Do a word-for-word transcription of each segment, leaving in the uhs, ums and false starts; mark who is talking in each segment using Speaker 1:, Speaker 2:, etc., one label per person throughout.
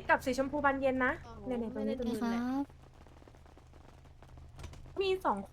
Speaker 1: กับสีชมพูบานเย็นนะ
Speaker 2: อ๋อ
Speaker 1: เนี่ยเนี่ยตรงนี้ต
Speaker 2: ไม่
Speaker 1: รง
Speaker 2: ได้
Speaker 1: นี้
Speaker 2: ดู
Speaker 3: ค
Speaker 2: แห
Speaker 3: รั
Speaker 2: ละ
Speaker 3: บ
Speaker 1: มีสองคน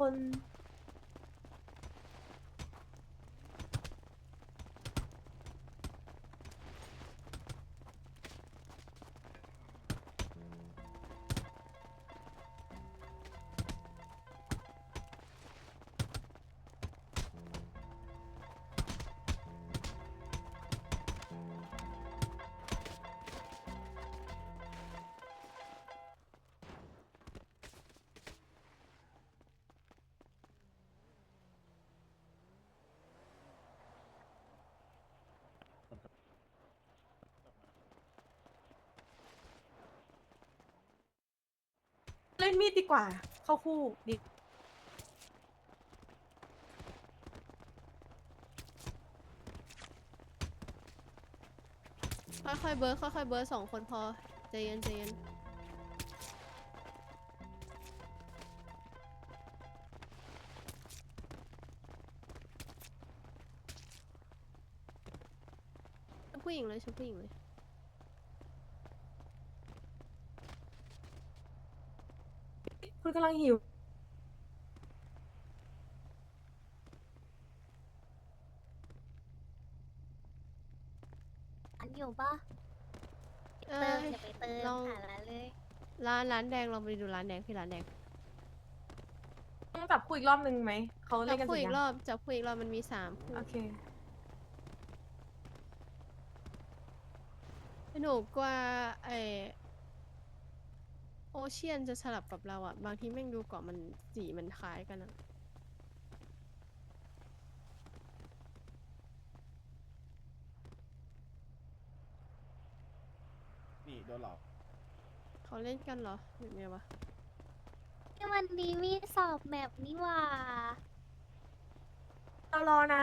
Speaker 1: เล่นมีดดีกว่า เข้าคู่ดี
Speaker 2: ค่อยๆเบิร์ดค่อยๆเบิร์ดสองคนพอใจเย็นใจเย็นชุบผู้หญิงเลยชุบผู้หญิงเลย
Speaker 1: คุณกำลังหิว
Speaker 4: อันอยู่ปะ
Speaker 2: เอ้
Speaker 4: เติม
Speaker 2: ย
Speaker 4: อย่าไปเติม
Speaker 2: ลอง
Speaker 4: หาร้านเลย
Speaker 2: ร้านร้านแดงลองไปดูร้านแดงพี่ร้านแดง
Speaker 1: ต้องจับคู่อีกรอบนึงไหม เขา
Speaker 2: จั
Speaker 1: เล่
Speaker 2: บ
Speaker 1: นกัน
Speaker 2: คู่
Speaker 1: เสร็จ
Speaker 2: อีก
Speaker 1: ยัง
Speaker 2: รอบจับคู่อีกรอบมันมีสามคู่
Speaker 1: โอเค
Speaker 2: หนูกว่าไอโอเชียนจะสลับกับเราอ่ะบางทีแม่งดูเกาะมันสีมันคล้ายกันอ่ะ
Speaker 5: นี่โดนหลอก
Speaker 2: เขาเล่นกันเหรอหรือไงวะ
Speaker 4: นี่วันนี้มีสอบแมปนี่หว่า
Speaker 1: เรารอนะ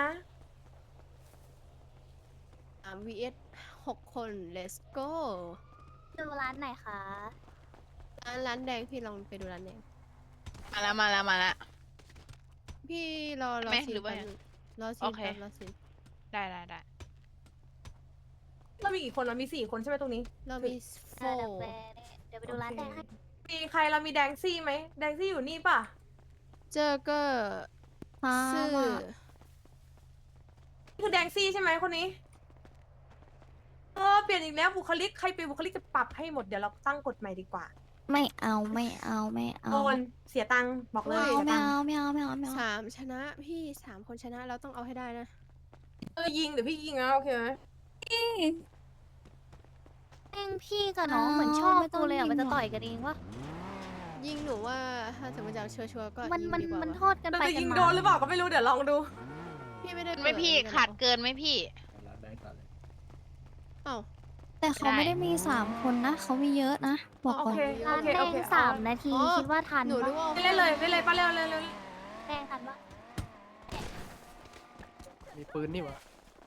Speaker 2: สาม วี เอส หกคน let's go
Speaker 4: ดูร้านไหนคะ
Speaker 2: ร้านร้านแดงพี่ลองไปดูร้านแดง
Speaker 6: มาแล้วมาแล้วมาแล้ว
Speaker 2: พี่รอรอ
Speaker 6: ไม่
Speaker 2: ซีน
Speaker 6: หรือว่า
Speaker 2: แป๊บนึงรอซี
Speaker 6: โอน เค
Speaker 2: แป๊บรอซีน
Speaker 6: ได้ได้ได้
Speaker 1: เรามีกี่คนเรามีสี่คนใช่ไหมตรงนี้
Speaker 2: เรามีโฟ
Speaker 4: ร้านกาแฟเนี่ยเดี๋ยวไปดูร้านแดงให้
Speaker 1: มีใครเรามีแดงซี่ไหม แดงซี่อยู่นี่ป่ะ
Speaker 2: เจอเกอร์
Speaker 3: ครับ
Speaker 2: ซื่อ
Speaker 1: นี่คือแดงซี่ใช่ไหมคนนี้ เออเปลี่ยนอีกแล้วบุคลิก ใครเป็นบุคลิกจะปรับให้หมด เดี๋ยวเราตั้งกฎใหม่ดีกว่า
Speaker 3: ไม่เอาไม่เอาไม่เอา
Speaker 1: โอนเสียตังค์บอกเลย
Speaker 3: ไม่
Speaker 1: เสีย
Speaker 3: เอา
Speaker 1: ตังค์
Speaker 3: ไม่เอาไม่เอาไม่เอา
Speaker 2: สามชนะพี่สามคนชนะเราต้องเอาให้ได้นะ
Speaker 1: เออยิงเดี๋ยวพี่ยิงนะโอเคไหม
Speaker 4: แม่งพี่กับน้องเหมือนชอบกูเลยอ่ะมันจะต่อยกันเองวะ
Speaker 2: ยิงหนูว่าถ้าสมมติจะเอาชัวร์ๆก็
Speaker 4: มัน
Speaker 2: ยิง
Speaker 4: มัน
Speaker 2: ดีกว่า
Speaker 4: มัน
Speaker 2: วะ
Speaker 4: โทษกัน
Speaker 1: เรา
Speaker 4: ไป
Speaker 1: จะ
Speaker 4: กั
Speaker 1: ยิ
Speaker 4: น
Speaker 1: ง
Speaker 4: มา
Speaker 1: โดนหรือเปล่าก็ไม่รู้เดี๋ยวลองดู
Speaker 2: พี่ไม่ได้
Speaker 6: ไม่พี่
Speaker 2: เปิ
Speaker 6: ขาดเกินไหมพี่
Speaker 2: เอ้า
Speaker 3: แต่เขาไม่ได้มีสามคนนะเขามีเยอะนะบอก
Speaker 1: โอ
Speaker 3: ก่อน
Speaker 1: เค
Speaker 4: ร้านแดงสามนาทีคิดว่าทัน
Speaker 2: หนูนึก
Speaker 4: ปะ
Speaker 2: ว่า
Speaker 1: เล่นเลยเล่นเลยป้าเร็วเร็วเร็ว
Speaker 4: แดงทันปะ
Speaker 5: มีปืนนี่หวะ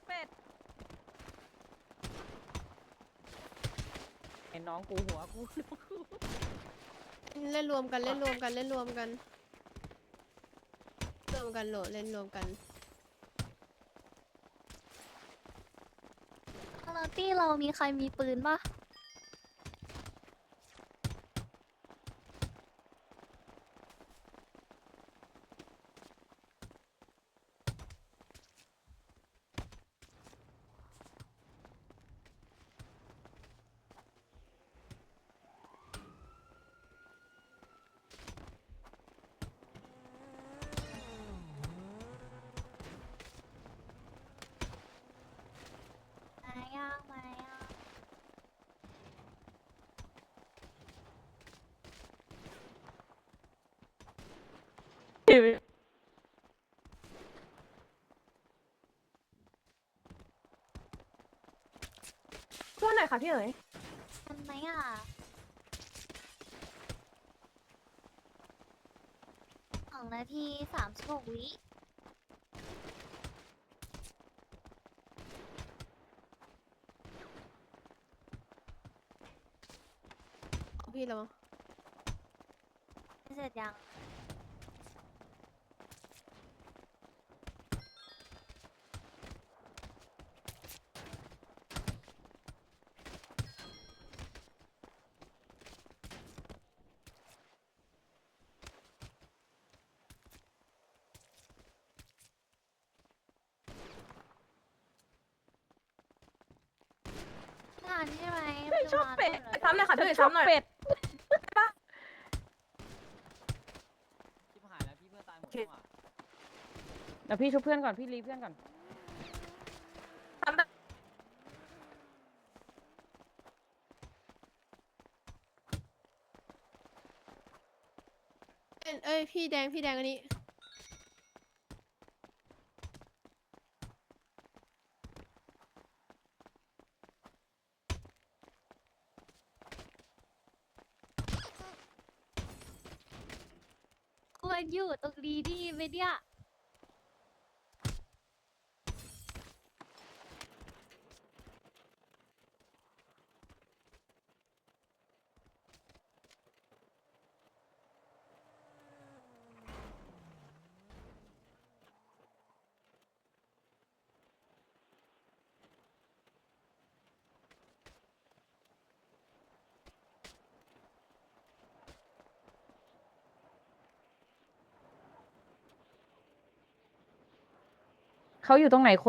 Speaker 7: ไอ้น้องกูหัวกู
Speaker 2: เล่นรวมกันเล่นรวมกันเล่นรวมกันรวมกันโหลดเล่นรวมกัน
Speaker 4: คาราตี้เรามีใครมีปืนปะ มาย่างมาย่าง
Speaker 1: ช่วยหน่อยค่ะพี่เอ๋ย
Speaker 4: ทันไหมอ่ะสองนาทีสามสิบหกวิ
Speaker 2: พี่เรา
Speaker 4: เสร็จยัง
Speaker 1: ชอบเป็ดไปซ้ำเลยค่ะพี่ซ้ำหน่อย
Speaker 7: เป็ด
Speaker 8: ชิบหายแล้วพี่เพื่อนตายหมด
Speaker 1: โอเค
Speaker 8: แล้วอะ
Speaker 7: เดี๋ยวพี่ชุบเพื่อนก่อนพี่รีเพื่อนก่อน
Speaker 1: ซ้ำได้
Speaker 2: เอ้ยเอ้ยพี่แดงพี่แดงอันนี้
Speaker 4: ควรอยู่ตรงนี้ดีไหมเนี่ย
Speaker 7: เขาอยู่ตรงไหน